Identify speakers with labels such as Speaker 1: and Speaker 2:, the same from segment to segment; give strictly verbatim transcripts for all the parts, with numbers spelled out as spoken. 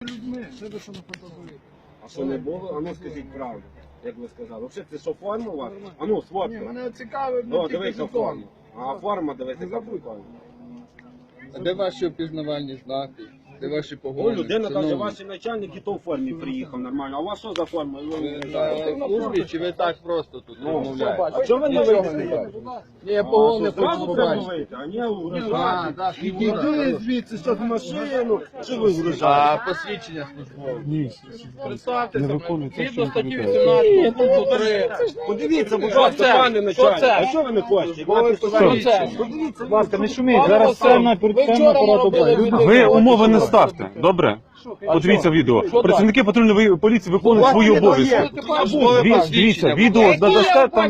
Speaker 1: людьми, це ви що на фотографії.
Speaker 2: А що не було? А ну скажіть правду, як ви сказали. Взагалі це що, форма у вас? А ну,
Speaker 1: Ні,
Speaker 2: сфоткай.
Speaker 1: мене цікавить,
Speaker 2: О,
Speaker 1: ну, тільки
Speaker 2: дивися
Speaker 1: закон.
Speaker 2: форму. А форма, дивися, яка прикольна.
Speaker 3: А де ваші опізнавальні знаки? Де ваші
Speaker 2: Ну,
Speaker 3: погони?
Speaker 2: людина каже,
Speaker 3: Шановні,
Speaker 2: ваш начальник і то в формі приїхав нормально. А у вас що за форма?
Speaker 3: ви знаєте в службі, чи ви так просто тут
Speaker 2: Ну,
Speaker 3: розмовляєте?
Speaker 2: а чого ви не
Speaker 3: Нічого
Speaker 2: вийдете?
Speaker 3: не бачите. Ні, я погони хочу
Speaker 2: Зразу треба
Speaker 3: побачити.
Speaker 2: вийти, а не
Speaker 3: А,
Speaker 2: угрожати.
Speaker 3: так,
Speaker 2: Іди звідси, що в машину, що ви
Speaker 3: А
Speaker 2: вгрожаєте?
Speaker 3: посвідчення службове?
Speaker 4: Ні,
Speaker 3: Представтеся,
Speaker 4: не виконується,
Speaker 3: згідно
Speaker 4: що
Speaker 3: статті
Speaker 4: відповідає.
Speaker 3: вісімнадцять, пункту три.
Speaker 2: Подивіться, будь
Speaker 3: Що
Speaker 2: ласка,
Speaker 3: це?
Speaker 2: пане
Speaker 3: Що
Speaker 2: начальник,
Speaker 3: це?
Speaker 2: а що ви не хочете?
Speaker 3: Що це?
Speaker 2: Подивіться,
Speaker 4: Будь ласка, не шуміть,
Speaker 3: Пане
Speaker 4: зараз
Speaker 3: Василь,
Speaker 4: це на
Speaker 3: ви
Speaker 4: перед
Speaker 3: вчора
Speaker 4: апарату
Speaker 3: робили
Speaker 4: бачите.
Speaker 3: відео.
Speaker 5: Ви умови не ставте, добре?
Speaker 3: А
Speaker 5: Подивіться
Speaker 3: що?
Speaker 5: відео.
Speaker 3: Що
Speaker 5: Працівники патрульної поліції виконують свої обов'язки. Дивіться, дивіться, відео надасте там.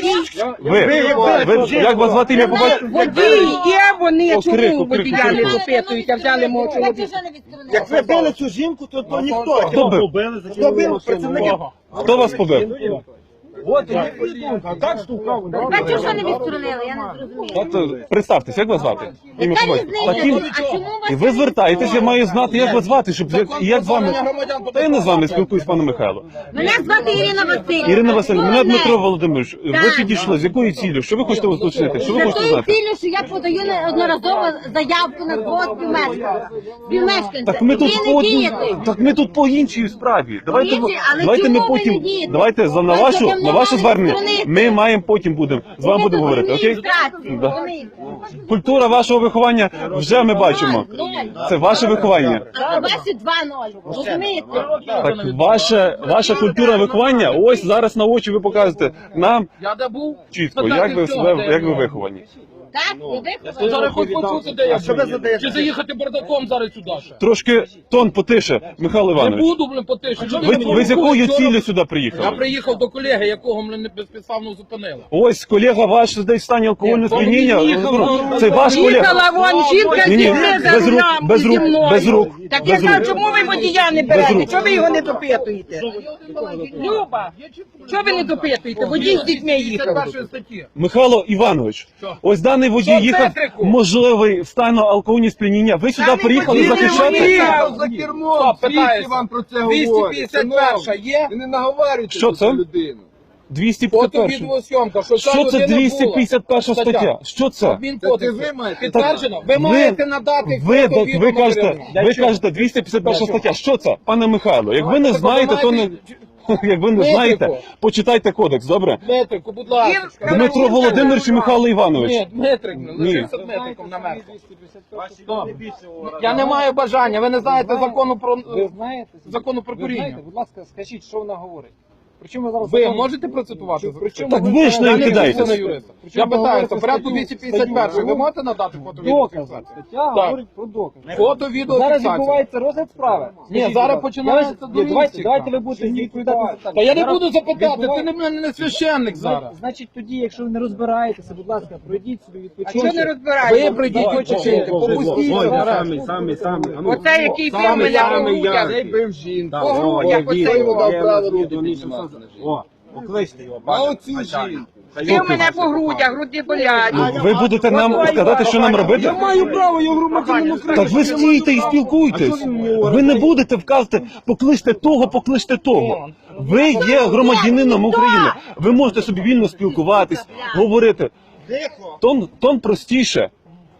Speaker 5: Ви, ви, як вас звати ім'я побачите?
Speaker 6: Водії є, вони
Speaker 5: О,
Speaker 6: чому
Speaker 5: крику,
Speaker 6: водія
Speaker 5: крику,
Speaker 6: не
Speaker 5: крику.
Speaker 6: допитують, а взяли мого чоловіка.
Speaker 2: як ви били цю жінку, то, то ніхто.
Speaker 5: Хто бив?
Speaker 2: Хто бив? Працівники.
Speaker 5: Хто вас побив?
Speaker 2: От, і ви а так штукав.
Speaker 7: Бачиш, що не відсторонили, я не зрозуміла.
Speaker 5: От, представтесь, як вас звати? Ім'я
Speaker 7: Яка
Speaker 5: побачите.
Speaker 7: різниця?
Speaker 5: Таким-
Speaker 7: А чому вас
Speaker 5: І ви звертаєтесь, я маю знати, як вас звати, щоб як, і як з вами. Та я не з вами спілкуюсь, пане Михайло.
Speaker 7: Мене звати Ірина Васильівна.
Speaker 5: Ірина Васильівна, мене
Speaker 7: Головне.
Speaker 5: Дмитро Володимирович. Ви
Speaker 7: Так.
Speaker 5: підійшли, з якою ціллю? Що ви хочете уточнити? Що ви
Speaker 7: За
Speaker 5: хочете
Speaker 7: тою
Speaker 5: знати?
Speaker 7: ціллю, що я подаю неодноразово заявку на свого співмешканця. Співмешканця.
Speaker 5: Так ми тут
Speaker 7: Ви
Speaker 5: по
Speaker 7: не дієте.
Speaker 5: так ми тут по іншій справі. Давайте
Speaker 7: іншій, але
Speaker 5: давайте ми
Speaker 7: чому ви не
Speaker 5: потім.
Speaker 7: дієте?
Speaker 5: Давайте за на
Speaker 7: Вас
Speaker 5: вашу
Speaker 7: таке
Speaker 5: на ваше
Speaker 7: мали
Speaker 5: звернення.
Speaker 7: сторонити.
Speaker 5: Ми маємо потім будемо з вами будемо говорити. Окей?
Speaker 7: Адміністрації,
Speaker 5: Да.
Speaker 7: розумієте?
Speaker 5: Культура вашого виховання вже ми бачимо. Це ваше виховання.
Speaker 7: А ваші два ноль. Розумієте?
Speaker 5: Так, ваше ваша культура виховання. Ось зараз на очі ви показуєте нам
Speaker 3: Я де був?
Speaker 5: чітко, як ви себе як ви виховані.
Speaker 7: Так? І ви
Speaker 3: Ну, зараз хоч почути, де я
Speaker 2: що ви
Speaker 3: був.
Speaker 2: задаєте?
Speaker 3: Чи заїхати бардаком зараз сюди ще?
Speaker 5: Трошки тон потише, Михайло
Speaker 3: Не
Speaker 5: Іванович.
Speaker 3: буду, блин, потише.
Speaker 5: Ви, ви з якою ціллю сюди
Speaker 3: Я
Speaker 5: приїхали?
Speaker 3: приїхав до колеги, якого мене безпідставно зупинили.
Speaker 5: Ось колега ваш десь в стані алкогольного
Speaker 3: Ні,
Speaker 5: сп'яніння.
Speaker 3: він їхав,
Speaker 5: Ну,
Speaker 3: ну,
Speaker 5: Це ваш колега.
Speaker 6: Їхала вон жінка з
Speaker 5: Ні, ні,
Speaker 6: дітьми за
Speaker 5: без рук,
Speaker 6: рулем
Speaker 5: без рук,
Speaker 6: зі мною.
Speaker 5: без рук,
Speaker 6: Так я
Speaker 5: без
Speaker 6: кажу,
Speaker 5: рук.
Speaker 6: чому ви водія не
Speaker 5: Без
Speaker 6: берете?
Speaker 5: рук.
Speaker 6: Чого ви його не допитуєте? Люба, чого ви не допитуєте? Водій з дітьми їхав.
Speaker 3: першої статті.
Speaker 5: Михайло Іванович,
Speaker 3: Що?
Speaker 5: ось даний водій
Speaker 3: Що,
Speaker 5: їхав
Speaker 3: Петрику?
Speaker 5: можливий в стану алкогольного сп'яніння. Ви сюди
Speaker 6: Даний
Speaker 5: приїхали
Speaker 6: водій не
Speaker 5: захищати?
Speaker 6: водій.
Speaker 1: За кермом,
Speaker 3: Стоп,
Speaker 1: скільки
Speaker 3: питаюся.
Speaker 1: вам про це
Speaker 3: двісті
Speaker 1: говорять?
Speaker 3: п'ятдесят перша є?
Speaker 1: І не наговорюйте
Speaker 5: Що
Speaker 1: про
Speaker 5: це?
Speaker 1: цю людину.
Speaker 5: двісті
Speaker 3: Фото
Speaker 5: п'ятдесят перша.
Speaker 3: відеозйомка. Що ця
Speaker 5: Що це
Speaker 3: людина
Speaker 5: двісті
Speaker 3: була?
Speaker 5: п'ятдесят перша стаття? Що це?
Speaker 1: Це
Speaker 3: Адмінкодексу.
Speaker 1: ви маєте-
Speaker 3: Підтверджено? Ви
Speaker 5: Ви-
Speaker 3: маєте надати
Speaker 5: Ви,
Speaker 3: фото,
Speaker 5: ви,
Speaker 3: відео,
Speaker 5: ви кажете,
Speaker 3: матеріал.
Speaker 5: ви кажете двісті п'ятдесят перша стаття. Що це, пане Михайло? Як ви не знаєте, то не як ви не знаєте, почитайте кодекс, добре?
Speaker 3: Дмитрику, будь ласка.
Speaker 5: Дмитро Володимирович і Михайло Іванович.
Speaker 3: Ні, Дмитрик,
Speaker 5: Ні.
Speaker 3: лишився Дмитриком на мерку. Я не маю бажання, ви не знаєте закону про
Speaker 4: Ви знаєте?
Speaker 3: закону про
Speaker 4: Ви
Speaker 3: куріння.
Speaker 4: знаєте, будь ласка, скажіть, що вона говорить. Причому ви зараз...
Speaker 3: Ви
Speaker 4: закон-
Speaker 3: можете процитувати?
Speaker 4: Причому
Speaker 5: Так ви ж не
Speaker 3: Я не
Speaker 5: кидаєтесь.
Speaker 3: вчуся на юриста. Я
Speaker 4: ви
Speaker 3: питаюся,
Speaker 4: говорите
Speaker 3: в порядку
Speaker 4: статтю-
Speaker 3: двісті п'ятдесят першої ви
Speaker 4: статтю?
Speaker 3: можете надати фото
Speaker 4: Докази.
Speaker 3: відео?
Speaker 4: Стаття
Speaker 3: Так.
Speaker 4: говорить про докази.
Speaker 3: Фото, відео,
Speaker 4: Зараз
Speaker 3: фіксація.
Speaker 4: відбувається розгляд справи.
Speaker 3: Ні,
Speaker 4: Скажіть,
Speaker 3: зараз
Speaker 4: будь ласка.
Speaker 3: починається
Speaker 4: Я вас-
Speaker 3: до
Speaker 4: Ні, давайте,
Speaker 3: місяця.
Speaker 4: давайте ви будете відповідати за так.
Speaker 3: Та я не
Speaker 4: Зараз
Speaker 3: буду запитати, ти
Speaker 4: відбуває-
Speaker 3: не мене не священник зараз.
Speaker 4: Значить, тоді, якщо ви не розбираєтеся, будь ласка, пройдіть собі
Speaker 6: А
Speaker 4: відпочинок.
Speaker 6: чого не
Speaker 3: Ви
Speaker 6: розбираєте?
Speaker 3: прийдіть, почекайте, попустіть.
Speaker 2: Ой,
Speaker 3: зараз.
Speaker 2: самі, самі, самі. А ну.
Speaker 6: Оце який бив
Speaker 2: Самий,
Speaker 6: мене по
Speaker 2: самий
Speaker 6: грудях.
Speaker 2: яркий.
Speaker 1: Цей бив жінку.
Speaker 2: Так,
Speaker 6: По
Speaker 2: о,
Speaker 6: грудях
Speaker 2: є
Speaker 6: оцей
Speaker 2: відео,
Speaker 1: дав
Speaker 2: є
Speaker 1: право
Speaker 2: відео,
Speaker 1: руки
Speaker 2: ні,
Speaker 1: піднімати
Speaker 2: що-
Speaker 1: на жінку.
Speaker 2: О, покличте його.
Speaker 1: А
Speaker 2: бачите,
Speaker 1: оцю
Speaker 2: начальник.
Speaker 1: жінку.
Speaker 6: Бив мене по грудях, груди болять.
Speaker 5: Ви будете нам сказати, що нам робити?
Speaker 2: Я маю право, я громадянин України.
Speaker 5: Так ви стійте і спілкуйтесь. Ви не будете вказати, покличте того, покличте того. Ви є громадянином України. Ви можете собі вільно спілкуватись, говорити.
Speaker 2: Тихо.
Speaker 5: Тон, тон простіше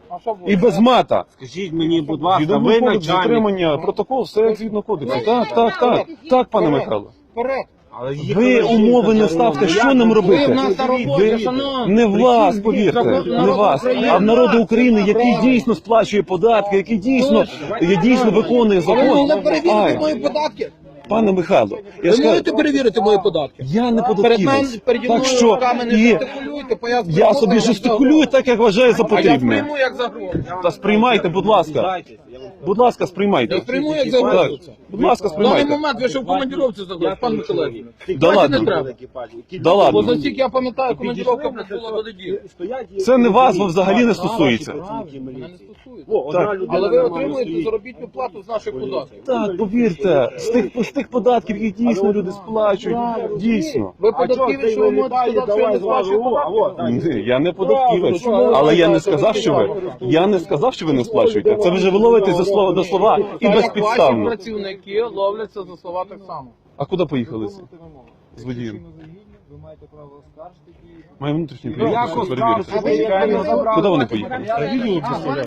Speaker 5: і без мата.
Speaker 2: Скажіть мені, будь ласка,
Speaker 5: Згідно
Speaker 2: ви
Speaker 5: кодексу
Speaker 2: начальник.
Speaker 5: затримання, протокол, все як згідно кодексу. Так, так, так, так, пане Михайло.
Speaker 3: Вперед.
Speaker 2: Але
Speaker 5: Ви
Speaker 2: їхали
Speaker 5: умови не
Speaker 2: жінка,
Speaker 5: ставте,
Speaker 2: я
Speaker 5: що нам
Speaker 3: Ви
Speaker 5: робити?
Speaker 3: в нас на роботі, шановні.
Speaker 5: Не вас, повірте, не вас, а в народу України, який дійсно сплачує податки, який дійсно, дійсно виконує
Speaker 3: А ви могли
Speaker 5: закон.
Speaker 3: перевірити
Speaker 5: Ай,
Speaker 3: мої податки?
Speaker 5: пане Михайло, я
Speaker 3: Ви
Speaker 5: ж
Speaker 3: можете
Speaker 5: кажу,
Speaker 3: перевірити мої податки?
Speaker 5: я не
Speaker 3: Перед мене,
Speaker 5: податківець.
Speaker 3: переді
Speaker 5: Так
Speaker 3: мною
Speaker 5: що
Speaker 3: руками не
Speaker 5: і
Speaker 3: жестикулюйте, бо я
Speaker 5: я
Speaker 3: сприйму
Speaker 5: собі
Speaker 3: як
Speaker 5: жестикулюю
Speaker 3: загрозу.
Speaker 5: так, як вважаю за
Speaker 3: А я
Speaker 5: потрібне.
Speaker 3: сприйму як загрозу.
Speaker 5: Та сприймайте, будь ласка. Будь ласка,
Speaker 3: Я
Speaker 5: сприймайте.
Speaker 3: сприйму як
Speaker 5: Так,
Speaker 3: загрозу. це.
Speaker 5: будь ласка,
Speaker 3: В даний
Speaker 5: сприймайте.
Speaker 3: момент ви ще в командировці загрозу, пан Миколаївич.
Speaker 5: Да
Speaker 3: Бачите,
Speaker 5: ладно.
Speaker 3: не треба.
Speaker 5: Да
Speaker 3: Бо
Speaker 5: ладно.
Speaker 3: за стільки я пам'ятаю, командировка була до неділі.
Speaker 5: Це не вас, бо взагалі не стосується.
Speaker 3: Мене не стосується.
Speaker 5: Так.
Speaker 3: Але ви отримуєте заробітну плату з наших податків.
Speaker 5: Так, повірте, з тих, з тих податків, які дійсно люди сплачують, дійсно.
Speaker 3: Ви податківець, що ви можете сказати, що я не сплачую податки?
Speaker 5: Ні, я не податківець, але я не сказав, що ви, я не сказав, що ви не сплачуєте. Це ви вже ви ловите за слова до слова і
Speaker 3: Так як ваші
Speaker 5: безпідставно.
Speaker 3: працівники ловляться за слова так само.
Speaker 5: А куди поїхали ці? З водієм.
Speaker 4: Ви маєте право оскаржити дії.
Speaker 5: Має внутрішній
Speaker 2: Ну, як
Speaker 5: перевірки.
Speaker 2: оскаржити?
Speaker 5: Куди вони поїхали?